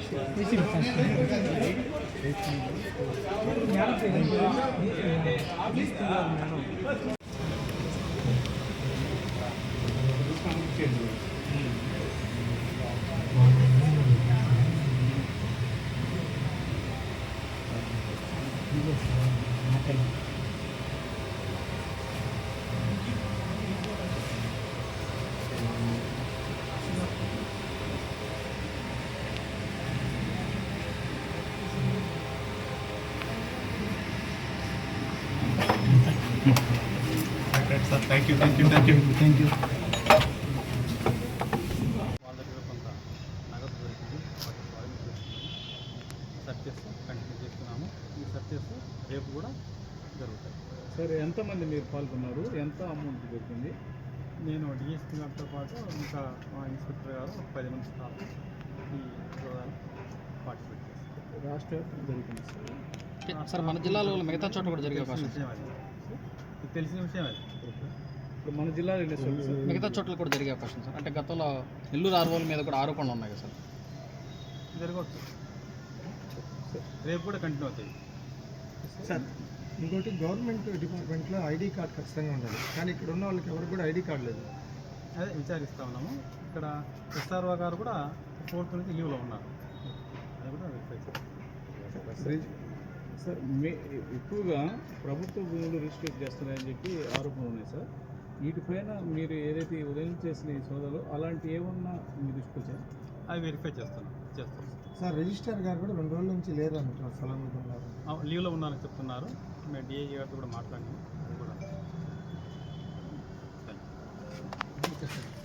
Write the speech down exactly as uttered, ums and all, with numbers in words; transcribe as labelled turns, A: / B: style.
A: Sir thank you thank you thank you thank you
B: వాళ్ళ దగ్గర కొంత నగదు దొరికింది వాటి స్వాధీనం చేసుకున్నాము. సర్చెస్ కంటిన్యూ చేస్తున్నాము. ఈ సర్చెస్ రేపు కూడా జరుగుతాయి.
A: సార్ ఎంతమంది మీరు పాల్గొన్నారు, ఎంత అమౌంట్ దొరికింది?
B: నేను డిఎస్పీ గారితో పాటు ఇంకా మా ఇన్స్పెక్టర్ గారు ఒక పది మంది స్టాఫ్ ఈ ప్రోగ్రాం పార్టిసిపేట్ చేస్తారు.
A: రాష్ట్ర జరుగుతుంది సార్.
C: సార్ మన జిల్లాలో మిగతా చోట్ల కూడా జరిగే అవకాశం
B: విషయం అది మీకు తెలిసిన విషయం అది.
A: ఇప్పుడు మన జిల్లాలో ఎన్ని సార్
C: మిగతా చోట్ల కూడా జరిగే అవకాశం సార్. అంటే గతంలో నెల్లూరు ఆర్వోల మీద కూడా ఆరోపణలు ఉన్నాయి కదా సార్.
B: జరగవచ్చు. రేపు కూడా కంటిన్యూ అవుతాయి
D: సార్. ఇంకోటి గవర్నమెంట్ డిపార్ట్మెంట్లో ఐడి కార్డ్ ఖచ్చితంగా ఉండాలి, కానీ ఇక్కడ ఉన్న వాళ్ళకి ఎవరికి కూడా ఐడి కార్డు లేదు.
B: అదే విచారిస్తూ ఉన్నాము. ఇక్కడ ఎస్ఆర్ఓ గారు కూడా ఫోర్త్ నుంచి లీవ్లో ఉన్నారు. అది కూడా వెరిఫై చేస్తాం.
A: సార్ మే ఎక్కువగా ప్రభుత్వ భూములు రిజిస్ట్రేట్ చేస్తున్నాయని చెప్పి ఆరోపణలు ఉన్నాయి సార్. వీటిపైన మీరు ఏదైతే ఉదయం చేసిన ఈ సోదాలు అలాంటి ఏమన్నా మీరు తీసుకొచ్చారు?
B: అవి వెరిఫై చేస్తాను చేస్తాం
D: సార్ రిజిస్టర్ గారు కూడా రెండు రోజుల నుంచి లేదంటున్నారు, స్థలం మీద ఉన్నారు,
B: లీవ్లో ఉన్నారని చెప్తున్నారు. మేము డిఐ గారితో కూడా మాట్లాడినాము. అది కూడా